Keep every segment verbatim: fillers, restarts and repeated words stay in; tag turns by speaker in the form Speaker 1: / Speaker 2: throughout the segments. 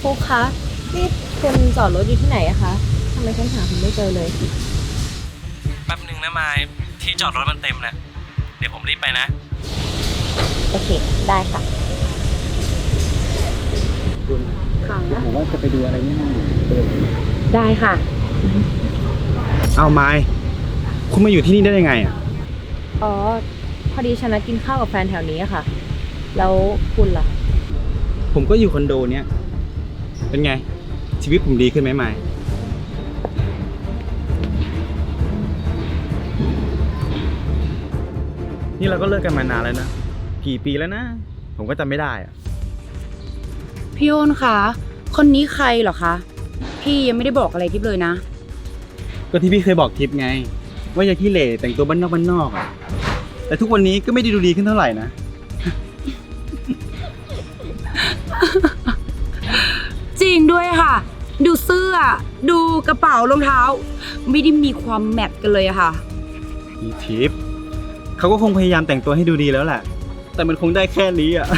Speaker 1: ฟุกคะนี่คุณจอดรถอยู่ที่ไหนอะคะทำไมฉันหาคุณไม่เจอเลย
Speaker 2: แป๊บหนึ่งนะมายที่จอดรถมันเต็มแล้วเดี๋ยวผมรีบไปนะ
Speaker 1: โอเคได้ค่ะ
Speaker 3: คุณค่ะผมว่าจะไปดูอะไรนี่ห้อง
Speaker 1: ได้ค่ะ
Speaker 3: เอาไม้คุณมาอยู่ที่นี่ได้ยังไงอ่ะ
Speaker 1: อ๋อพอดีฉันนัดกินข้าวกับแฟนแถวนี้อะค่ะ แล้วคุณล่ะ
Speaker 3: ผมก็อยู่คอนโดเนี้ยเป็นไงชีวิตผมดีขึ้นไหมไม้นี่เราก็เลิกกันมานานแล้วนะกี่ปีแล้วนะผมก็จำไม่ได้อะ
Speaker 4: พี่โอนคะคนนี้ใครเหรอคะพี่ยังไม่ได้บอกอะไรทิพย์เลยนะ
Speaker 3: ก็ที่พี่เคยบอกทิพย์ไงว่าอย่าขี้เหร่แต่งตัวบ้านนอกบ้านนอกอ่ะแต่ทุกวันนี้ก็ไม่ได้ดูดีขึ้นเท่าไหร่นะ
Speaker 4: จริงด้วยค่ะดูเสื้อดูกระเป๋ารองเท้าไม่ได้มีความแมทกันเลยอะค่ะ
Speaker 3: พี่ทิพย์เขาก็คงพยายามแต่งตัวให้ดูดีแล้วแหละแต่มันคงได้แค่นี้อ่ะ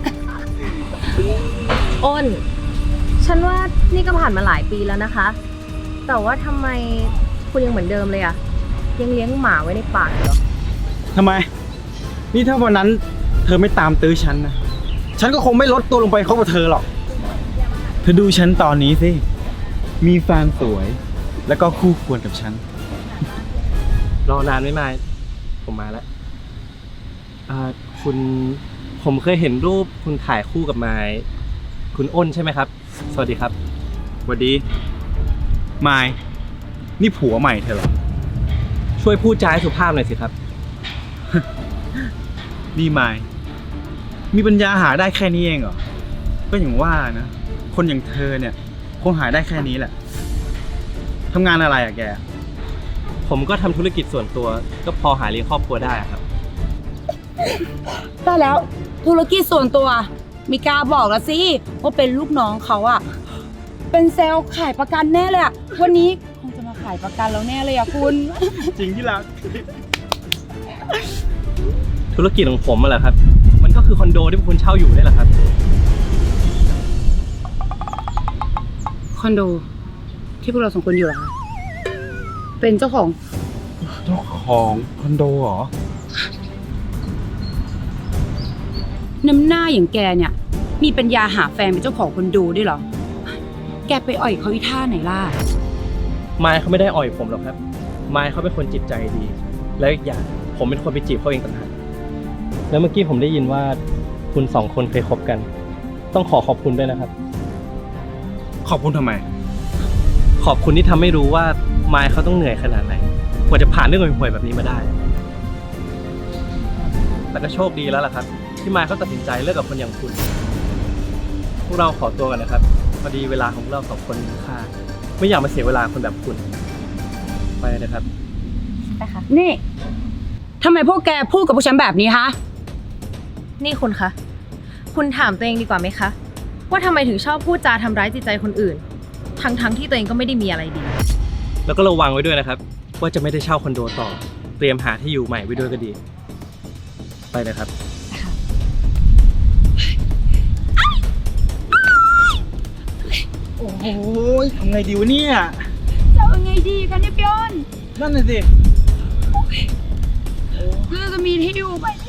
Speaker 1: อ้นฉันว่านี่ก็ผ่านมาหลายปีแล้วนะคะแต่ว่าทำไมคุณยังเหมือนเดิมเลยอะยังเลี้ยงหมาไว้ในปากเหรอ
Speaker 3: ทำไมนี่ถ้าวันนั้นเธอไม่ตามตื้อฉันนะฉันก็คงไม่ลดตัวลงไปคบกับเธอหรอกเธอดูฉันตอนนี้สิมีแฟนสวยแล้วก็คู่ควรกับฉัน
Speaker 2: รอนานไม่มาผมมาแล้วอ่าคุณผมเคยเห็นรูปคุณถ่ายคู่กับไม้คุณอ้นใช่ไหมครับสวัสดีครับ
Speaker 3: สวัสดีไมายนี่ผัวใหม่เธอเหรอ
Speaker 2: ช่วยพูดจาให้สุภาพหน่อยสิครับ
Speaker 3: นี่ไมายมีปัญญาหาได้แค่นี้เองเหรอก็อย่างว่านะคนอย่างเธอเนี่ยคงหาได้แค่นี้แหละทำงานอะไรอะแก
Speaker 2: ผมก็ทำธุรกิจส่วนตัวก็พอหาเลี้ยงครอบครัวได้ครับ
Speaker 4: ได้แล้วธุรกิจส่วนตัวมีกล้าบอกแล้วสิว่าเป็นลูกน้องเขาอะเป็นเซลล์ขายประกันแน่เลยอะวันนี้คงจะมาขายประกันแล้วแน่เลยอะคุณ
Speaker 3: จริงที่รัก
Speaker 2: ธุรกิจของผมอะแหละครับมันก็คือคอนโดที่พวกคุณเช่าอยู่นี่แหละครับ
Speaker 4: คอนโดที่พวกเราสองคนอยู่เหรอคะเป็นเจ้าของ
Speaker 3: เจ้าของคอนโดเหรอ
Speaker 4: น้ำหน้าอย่างแกเนี่ยมีปัญญาหาแฟนเป็นเจ้าของคอนโดด้วยเหรอแกไปอ่อยเขาอีท่าไหนล่ะ
Speaker 2: ไมค์เขาไม่ได้อ่อยผมหรอกครับไมค์เขาเป็นคนจิตใจดีแล้วอีกอย่างผมเป็นคนไปจีบเขาเองต่างหากแล้วเมื่อกี้ผมได้ยินว่าคุณสองคนเคยคบกันต้องขอขอบคุณด้วยนะครับ
Speaker 3: ขอบคุณทำไม
Speaker 2: ขอบคุณที่ทำให้รู้ว่าไมค์เขาต้องเหนื่อยขนาดไหนกว่าจะผ่านเรื่องห่วยๆแบบนี้มาได้แต่ก็โชคดีแล้วล่ะครับที่ไมค์เขาตัดสินใจเลิกกับคนอย่างคุณพวกเราขอตัวกันนะครับพอดีเวลาของเราสองคนมีค่าไม่อยากมาเสียเวลาคนแบบคุณไปนะครับ
Speaker 1: ไปค่ะ
Speaker 4: นี่ทำไมพวกแกพูดกับพวกฉันแบบนี้ฮะ
Speaker 1: นี่คุณคะคุณถามตัวเองดีกว่าไหมคะว่าทำไมถึงชอบพูดจาทำร้ายจิตใจคนอื่นทั้งๆที่ตัวเองก็ไม่ได้มีอะไรดี
Speaker 2: แล้วก็ระวังไว้ด้วยนะครับว่าจะไม่ได้เช่าคอนโดต่อเตรียมหาที่อยู่ใหม่ไว้ด้วยก็ดีไปนะครับ
Speaker 3: โอ้โหทำไงดีวะเนี่ย
Speaker 4: จะเอาไงดีกันเนี่ยพี่อ้น
Speaker 3: นั่นน่ะสิ
Speaker 4: เราจะมีที่อยู่ไหม